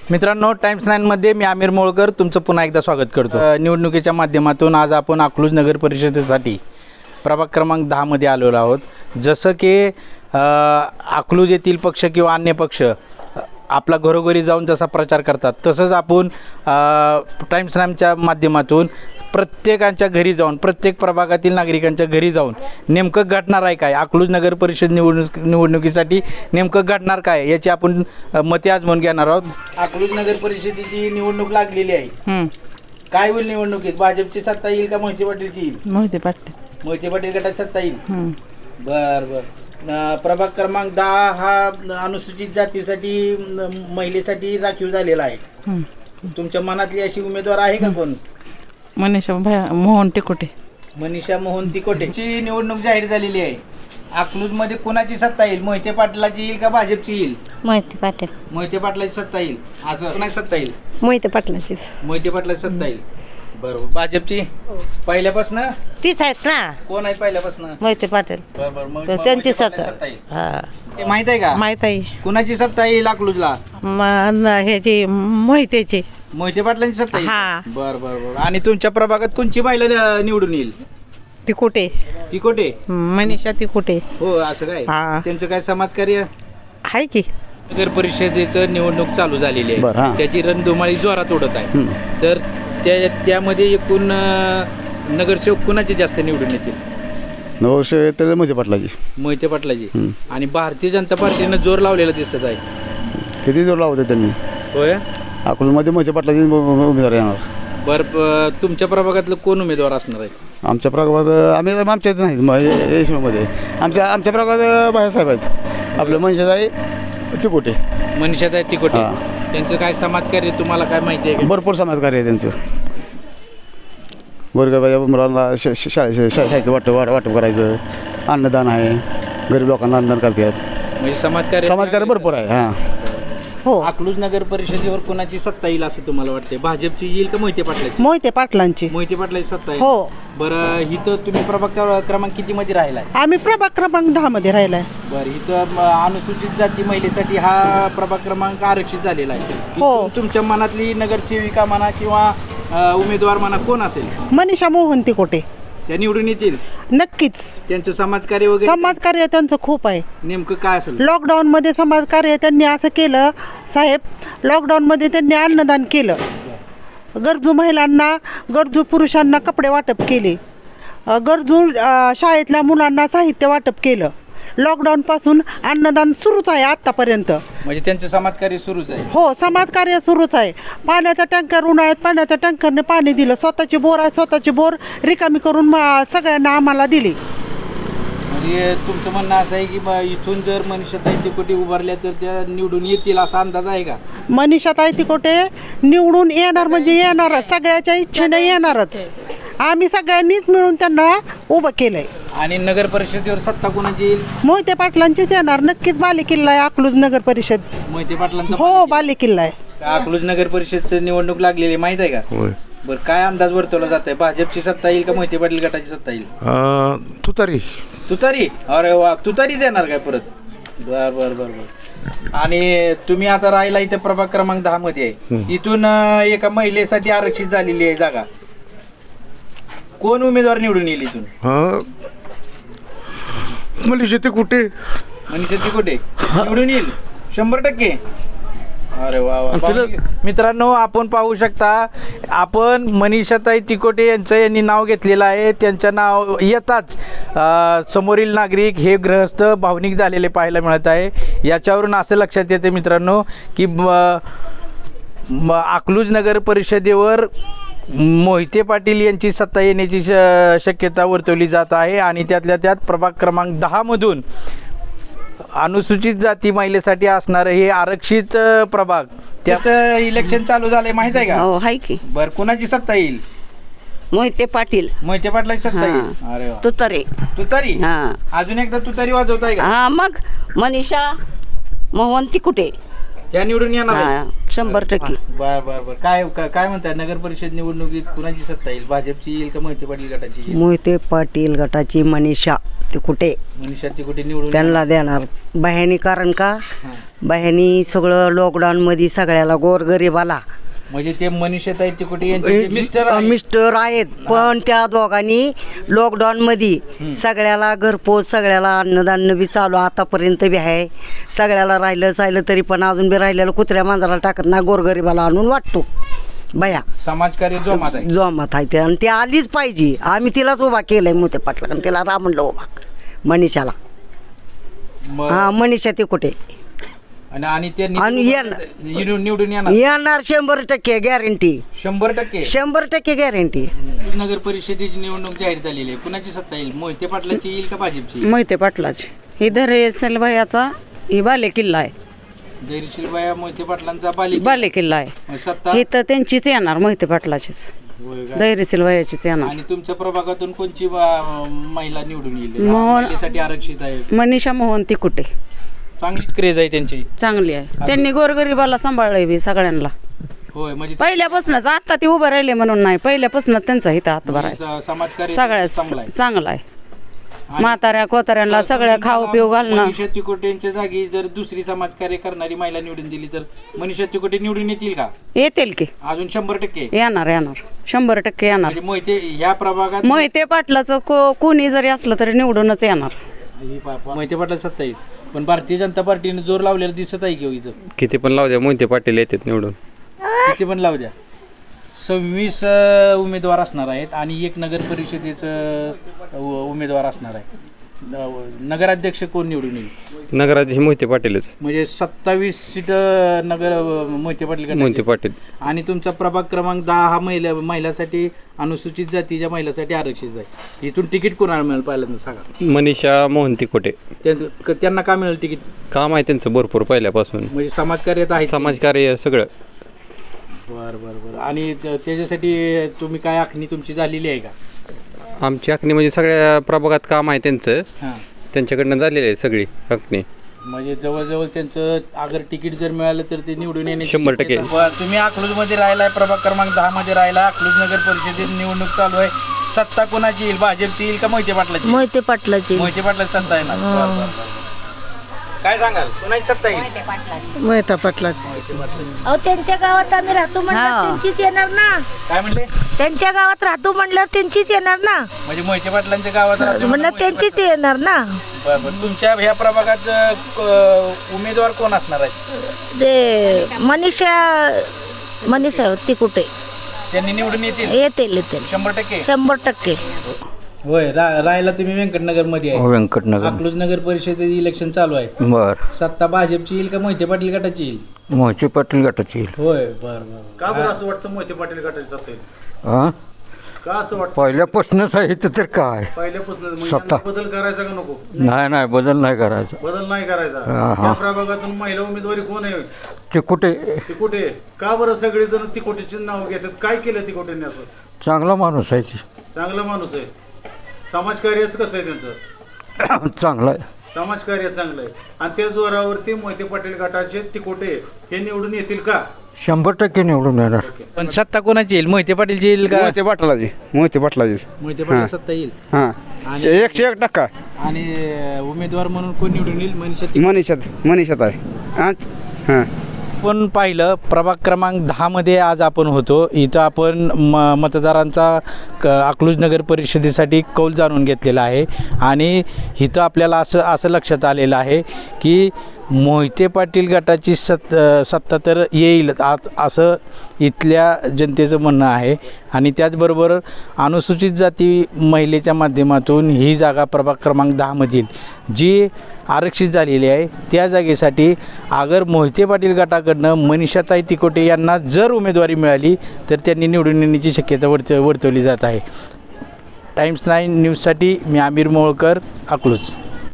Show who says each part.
Speaker 1: मित्रांनो, टाइम्स 9 मध्ये मी आमिर मोळकर तुमचं पुन्हा एकदा स्वागत करतो। निवडणुकीच्या माध्यमातून आज आपण अकलूज नगर परिषदेसाठी प्रभाग क्रमांक 10 मध्ये आलेलो आहोत। जसं की अकलूज येथील पक्ष किंवा अन्य पक्ष आपला घरोघरी जाऊन जसा प्रचार करतात, तसंच आपण टाइम्स 9च्या माध्यमातून प्रत्येकांच्या घरी जाऊन, प्रत्येक प्रभागातील नागरिकांच्या घरी जाऊन नेमकं घडणार आहे काय, अकलूज नगर परिषद निवडणुकीसाठी नेमकं घडणार काय याची आपण मते आजमावून घेणार आहोत। अकलूज नगर परिषदेची निवडणूक लागलेली आहे। काय होईल निवडणुकीत? भाजपची सत्ता येईल का मोहिते पाटीलची येईल? मोहिते पाटील गटाची सत्ता येईल। बर प्रभाग क्रमांक 10 हा अनुसूचित जातीसाठी महिलेसाठी राखीव झालेला आहे। तुमच्या मनातली अशी उमेदवार आहे का कोण?
Speaker 2: मनीषा मोहन तिकोटे।
Speaker 1: मनीषा मोहन तिकोटेची निवडणूक जाहीर झालेली आहे। अकलूज मध्ये कोणाची सत्ता येईल? मोहिते पाटलाची येईल का भाजपची येईल?
Speaker 3: मोहिते पाटील।
Speaker 1: मोहिते पाटलाची सत्ता येईल। असं कोणाची सत्ता येईल?
Speaker 3: मोहिते पाटलाचीच।
Speaker 1: मोहिते पाटलाची सत्ता येईल। बरोबर। भाजपची पहिल्यापासून
Speaker 3: तीच आहेत ना।
Speaker 1: कोण आहेत पहिल्यापासून?
Speaker 3: मोहिते पाटील।
Speaker 1: बरोबर।
Speaker 3: तर त्यांची सत्ता
Speaker 1: येईल।
Speaker 3: हा
Speaker 1: हे माहित आहे का?
Speaker 2: माहित आहे।
Speaker 1: कोणाची सत्ता येईल अकलूजला?
Speaker 2: ह्याची मोहितेची।
Speaker 1: मोहिते पाटलांची सत्ता येईल।
Speaker 2: हा।
Speaker 1: बरं। आणि तुमच्या प्रभागात कोणची महिला निवडून येईल?
Speaker 2: तिकोटे।
Speaker 1: तिकोटे?
Speaker 2: मनीषा तिकोटे।
Speaker 1: हो, असं काय?
Speaker 2: हा।
Speaker 1: त्यांचं काय समाजकार्य
Speaker 2: आहे की?
Speaker 1: नगर परिषदेचं निवडणूक चालू झालेली आहे, त्याची रणधुमाळी जोरात उडत आहे। तर त्यामध्ये एकूण नगरसेवक कुणाचे जास्त निवडून येतील?
Speaker 4: नगरसेवक मोहिते पाटलाची।
Speaker 1: मोहिते पाटलाची। आणि भारतीय जनता पार्टीनं जोर लावलेला दिसत आहे।
Speaker 4: किती जोर लावते त्यांनी?
Speaker 1: होय।
Speaker 4: अकलूजमध्ये मोहिते पाटलाची उमेदवार येणार।
Speaker 1: बरं, तुमच्या प्रभागातलं कोण उमेदवार असणार आहे?
Speaker 4: आमच्या प्रभागात आमच्या इथे नाही, यशमध्ये आमच्या प्रभागात बाळासाहेब आहेत। आपलं मनशाताई तिकोटे।
Speaker 1: मनीषाताई तिकोटे। त्यांचं काय समाजकार्य तुम्हाला काय माहिती आहे?
Speaker 4: भरपूर समाजकार्य आहे त्यांचं। गोरगरिबाच्या मुलांना शाळेचं वाटप करायचं, अन्नदान आहे, गरीब लोकांना अन्नदान करतात।
Speaker 1: म्हणजे समाजकार्य
Speaker 4: भरपूर आहे। हां
Speaker 3: हो।
Speaker 1: अकलूज नगर परिषदेवर कोणाची सत्ता येईल असं तुम्हाला वाटते? भाजपची येईल का मोहिते पाटलाची?
Speaker 3: मोहिते पाटलांची।
Speaker 1: मोहिते पाटलाची सत्ता येईल।
Speaker 3: हो।
Speaker 1: बरं, इथं तुम्ही प्रभाग क्रमांक किती मध्ये राहिलाय?
Speaker 3: आम्ही प्रभाग क्रमांक 10 मध्ये राहिलाय।
Speaker 1: बरं, इथं अनुसूचित जाती महिलेसाठी हा प्रभाग क्रमांक आरक्षित झालेला आहे।
Speaker 3: हो।
Speaker 1: इथून तुमच्या मनातली नगरसेविका म्हणा किंवा उमेदवार म्हणा कोण असेल?
Speaker 3: मनीषा मोहन तिकोटे।
Speaker 1: त्या निवडून येतील?
Speaker 3: नक्कीच।
Speaker 1: त्यांचं समाजकार्य वगैरे?
Speaker 3: समाजकार्य त्यांचं खूप आहे।
Speaker 1: नेमकं काय असेल?
Speaker 3: लॉकडाऊन मध्ये समाजकार्य त्यांनी असं केलं साहेब, लॉकडाऊन मध्ये त्यांनी अन्नदान केलं, गरजू महिलांना, गरजू पुरुषांना कपडे वाटप केले, गरजू शाळेतल्या मुलांना साहित्य वाटप केलं। लॉकडाऊन पासून अन्नदान सुरूच आहे आतापर्यंत।
Speaker 1: म्हणजे त्यांचं समाजकार्य सुरूच आहे?
Speaker 3: हो, समाजकार्य सुरूच आहे। पाण्याचा टँकर, उन्हाळ्यात पाण्याच्या टँकरने पाणी दिलं, स्वतःची बोर आहे, स्वतःची बोर रिकामी करून सगळ्यांना आम्हाला दिली।
Speaker 1: म्हणजे तुमचं म्हणणं असं आहे की इथून जर मनीषाताई तिकोटे उभारल्या तर त्या निवडून येतील असा अंदाज आहे का?
Speaker 3: मनीषाताई तिकोटे निवडून येणार म्हणजे येणारच, सगळ्याच्या इच्छेने येणारच। आम्ही सगळ्यांनीच मिळून त्यांना उभं केलंय।
Speaker 1: आणि नगर परिषदेवर सत्ता कोणाची येईल?
Speaker 3: मोहिते पाटलांचीच येणार। नक्कीच बालेकिल्ला आहे अकलूज नगर परिषद।
Speaker 1: मोहिते पाटलांचा?
Speaker 3: हो, बालेकिल्ला आहे।
Speaker 1: अकलूज नगर परिषदची निवडणूक लागलेली माहित आहे का? बरं, काय अंदाज वर्तवला जात आहे? भाजपची सत्ता येईल का मोहिते पाटील गटाची सत्ता येईल? तुतारी? अरे वा, तुतारीच येणार काय परत? बर। आणि तुम्ही आता राहिला इथे प्रभाग क्रमांक 10 मध्ये आहे। इथून एका महिलेसाठी आरक्षित झालेली आहे जागा। कोण उमेदवार निवडून येईल इथून?
Speaker 4: मनीषा तिकोटे।
Speaker 1: मनीषा तिकोटे निवडून येईल 100%? अरे वा। मित्रांनो, आपण पाहू शकता, आपण मनीषाताई तिकोटे यांनी नाव घेतलेलं आहे। त्यांचं नाव येताच समोरील नागरिक हे गृहस्थ भावनिक झालेले पाहायला मिळत आहे। याच्यावरून असं लक्षात येते मित्रांनो की अकलूज नगर परिषदेवर मोहिते पाटील यांची सत्ता येण्याची शक्यता वर्तवली जात आहे। आणि त्यातल्या त्यात प्रभाग क्रमांक 10 मधून अनुसूचित जाती महिलेसाठी असणारं हे आरक्षित प्रभाग, त्याचं इलेक्शन चालू झालंय माहित आहे का?
Speaker 3: हो, आहे की।
Speaker 1: बरं, कुणाची सत्ता येईल?
Speaker 3: मोहिते पाटील।
Speaker 1: मोहिते पाटलाची सत्ता येईल। अरे वा। तुतारी? अजून एकदा तुतारी वाजवताय का?
Speaker 3: मग मनीषा मोहन तिकोटे
Speaker 1: या निवडून येणार?
Speaker 5: 100%.
Speaker 1: बर बर बर काय म्हणताय नगर परिषद निवडणुकीत कुणाची सत्ता येईल? भाजपची येईल का मोहिते पाटील गटाची येईल?
Speaker 5: मोहिते पाटील गटाची मनीषा ते कुठे
Speaker 1: मनुष्याची कुठे निवडून
Speaker 5: त्यांना देणार बाह्यानी, कारण का
Speaker 1: हां.
Speaker 5: बाह्यानी सगळं लॉकडाऊनमध्ये सगळ्याला गोरगरिबाला
Speaker 1: म्हणजे ते मनीषाताई तिकोटे यांचे मिस्टर आहे.
Speaker 5: मिस्टर आहेत, पण त्या दोघांनी लॉकडाऊनमध्ये सगळ्याला घरपोच, सगळ्याला अन्नधान्य बी चालू आतापर्यंत बी आहे. सगळ्याला राहिलं तरी पण अजून बी राहिलेलं कुत्र्या मांजराला टाकत ना, गोरगरिबाला आणून वाटतो बया
Speaker 1: समाजकार्य जोमात आहे.
Speaker 5: जोमात आहे ते, आणि ती आलीच पाहिजे. आम्ही तिलाच उभा केलंय मोठे पाटला, आणि तिला म्हणलं उभा मनीषाला.
Speaker 1: मग-
Speaker 5: हा, मनीषा ते कुठे
Speaker 1: आणि ते
Speaker 5: आणि
Speaker 1: निवडून येणार
Speaker 5: येणार 100% गॅरंटी,
Speaker 1: 100%.
Speaker 5: 100% गॅरंटी.
Speaker 1: नगर परिषदेची निवडणूक जाहीर झालेली आहे. कुणाची सत्ता येईल? मोहिते पाटलाची येईल का भाजपची येईल?
Speaker 6: मोहिते पाटलाची. ही धैर्यशील भैयाचा ही बाले किल्ला आहे.
Speaker 1: जयश्री बाया मोहिते पाटलांचा
Speaker 6: बाले किल्ला आहे.
Speaker 1: सत्ता
Speaker 6: ही तर त्यांचीच येणार, मोहिते पाटलाचीच,
Speaker 1: होय का?
Speaker 6: धैर्यशील भैयाचीच येणार.
Speaker 1: आणि तुमच्या प्रभागातून कोणची महिला निवडून येईल?
Speaker 6: मोहन-
Speaker 1: महिलेसाठी आरक्षित आहे.
Speaker 6: मनीषा मोहन तिकुटे
Speaker 1: चांगलीच क्रेज आहे त्यांची.
Speaker 6: चांगली आहे. त्यांनी गोरगरिबाला सांभाळलंय बी सगळ्यांना
Speaker 1: होय म्हणजे
Speaker 6: पहिल्यापासूनच. आता ती उभं राहिले म्हणून नाही, पहिल्यापासूनच त्यांचा हिता हातभार आहे.
Speaker 1: समाजकार्य
Speaker 6: सगळ्या
Speaker 1: चांगला आहे.
Speaker 6: चांगला आहे. म्हाताऱ्या कोताऱ्यांना सगळ्या खाऊ पिऊ घालणं.
Speaker 1: मनीषा तिकोटे यांच्या जागी जर दुसरी समाजकार्य करणारी महिला निवडून दिली तर मनीषा तिकोटे निवडून येतील का?
Speaker 6: येतील की,
Speaker 1: अजून 100%.
Speaker 6: येणार 100% येणार.
Speaker 1: म्हणजे मोहिते ह्या प्रभागात
Speaker 6: मोहिते पाटलाचं कोणी जरी असलं तरी निवडूनच येणार.
Speaker 1: मोहिते पाटला सत्ता येईल. पण भारतीय जनता पार्टीने जोर लावलेला दिसत आहे की इथं.
Speaker 7: किती पण लावू द्या, मोहिते पाटील येतात निवडून.
Speaker 1: किती पण लावू द्या. 26 उमेदवार असणार आहेत आणि एक नगर परिषदेचं उमेदवार असणार आहे. नगराध्यक्ष कोण निवडून येईल?
Speaker 7: नगराध्यक्ष मोहिते पाटीलच.
Speaker 1: म्हणजे 27 सीट नगर मोहिते पाटील गटाचे.
Speaker 7: मोहिते पाटील.
Speaker 1: आणि तुमचा प्रभाग क्रमांक 10 हा महिलासाठी अनुसूचित जातीच्या महिलासाठी आरक्षित आहे. इथून तिकीट कोणाला मिळेल पहिल्यांदा सांगा.
Speaker 7: मनीषा मोहन तिकोटे.
Speaker 1: त्यांना का मिळेल तिकीट?
Speaker 7: काम आहे त्यांचं भरपूर पहिल्यापासून,
Speaker 1: म्हणजे समाजकार्यात आहे.
Speaker 7: समाजकार्य सगळं.
Speaker 1: बरं बरं बरं. आणि त्याच्यासाठी तुम्ही काय आखणी तुमची झालेली आहे का?
Speaker 7: आमची आखणी म्हणजे सगळ्या प्रभागात काम आहे त्यांचं,
Speaker 1: हां.
Speaker 7: त्यांच्याकडनं झालेली आहे सगळी आखणी.
Speaker 1: म्हणजे जवळजवळ त्यांचं अगर तिकीट जर मिळालं तर ते निवडून येण्याची
Speaker 7: 100%.
Speaker 1: शक्यता. तुम्ही अकलूजमध्ये राहिलाय, प्रभाग क्रमांक 10 मध्ये राहिला. अकलूज नगर परिषदेत निवडणूक चालू आहे. सत्ता कोणाची येईल? भाजपची येईल का मोहिते पाटलाची?
Speaker 2: मोहिते पाटलाची.
Speaker 1: मोहिते पाटलाची सत्ता येणार. बरं, बरं, बरं. काय सांगाल कोणाची सत्ता येईल?
Speaker 2: मोहिते पाटलाची.
Speaker 8: अहो त्यांच्या गावात आम्ही राहतो म्हणल्यावर त्यांचीच येणार ना.
Speaker 1: काय म्हणले?
Speaker 8: त्यांच्या गावात राहतो म्हणल्यावर त्यांचीच येणार ना.
Speaker 1: म्हणजे मोहिते पाटलांच्या गावात राहतो
Speaker 8: म्हणलं
Speaker 1: मोहिते
Speaker 8: त्यांचीच येणार ना.
Speaker 1: बरं, बरं. तुमच्या ह्या प्रभागात उमेदवार कोण असणार आहेत?
Speaker 8: ते मनीषा ती कुठे
Speaker 1: त्यांनी निवडून येतील
Speaker 8: येतील
Speaker 1: 100%.
Speaker 8: 100%.
Speaker 1: होय. राहायला तुम्ही व्यंकटनगर मध्ये आहे.
Speaker 9: व्यंकटनगर.
Speaker 1: अकलूज नगर परिषदेचे इलेक्शन चालू आहे.
Speaker 9: बर.
Speaker 1: सत्ता भाजपची येईल का मोहिते पाटील गटाची येईल?
Speaker 9: मोहिते पाटील गटाची येईल.
Speaker 1: होय. बरं बरं. का बरं असं वाटतं मोहिते पाटील गटाची सत्ता येईल?
Speaker 9: हा,
Speaker 1: का असं वाटतं?
Speaker 9: पहिल्यापासूनच आहे इथं तर काय
Speaker 1: पहिल्यापासून
Speaker 9: सत्ता.
Speaker 1: बदल करायचा का नको?
Speaker 9: नाही बदल नाही करायचा.
Speaker 1: बदल नाही करायचा.
Speaker 9: हा, हा.
Speaker 1: या प्रभागातून महिला उमेदवारी कोण आहे?
Speaker 9: ते कुठे
Speaker 1: ती कुठे? का बरं सगळेजण ती कोटीचे नाव घेतात? काय केलं ती कोटीने असं?
Speaker 9: चांगला माणूस आहे ती.
Speaker 1: चांगला माणूस आहे. समाजकार्यच कसं आहे त्यांचं?
Speaker 9: चांगला आहे.
Speaker 1: समाजकार्य चांगलं आहे. आणि त्या जोरावरती मोहिते पाटील गटाचे तिकोटे हे निवडून येतील का?
Speaker 9: 100% निवडून येणार.
Speaker 1: पण सत्ता कोणाची येईल? मोहिते पाटीलची येईल का?
Speaker 4: मोहिते पाटलाची. मोहिते पाटलाची.
Speaker 1: मोहिते पाटील सत्ता येईल.
Speaker 4: हां,
Speaker 1: आणि
Speaker 4: 101%.
Speaker 1: आणि उमेदवार म्हणून कोण निवडून येईल?
Speaker 4: मनीषात आहे. हां.
Speaker 1: आपण पाहिलं प्रभाग क्रमांक 10 मध्ये आज आपण होतो. इथं आपण मतदारांचा अकलूज नगर परिषदेसाठी कौल जाणून घेतलेला आहे. आणि इथं आपल्याला असं लक्षात आलेलं आहे की मोहिते पाटील गटाची सत्ता तर येईल असं इथल्या जनतेचं म्हणणं आहे. आणि त्याचबरोबर अनुसूचित जाती महिलेच्या माध्यमातून ही जागा प्रभाग क्रमांक 10मधील जी आरक्षित झालेली आहे त्या जागेसाठी अगर मोहिते पाटील गटाकडनं मनीषाताई तिकोटे यांना जर उमेदवारी मिळाली तर त्यांनी निवडून येण्याची शक्यता वर्तवली जात आहे. टाइम्स 9 न्यूजसाठी मी आमिर मोळकर, अकलूज.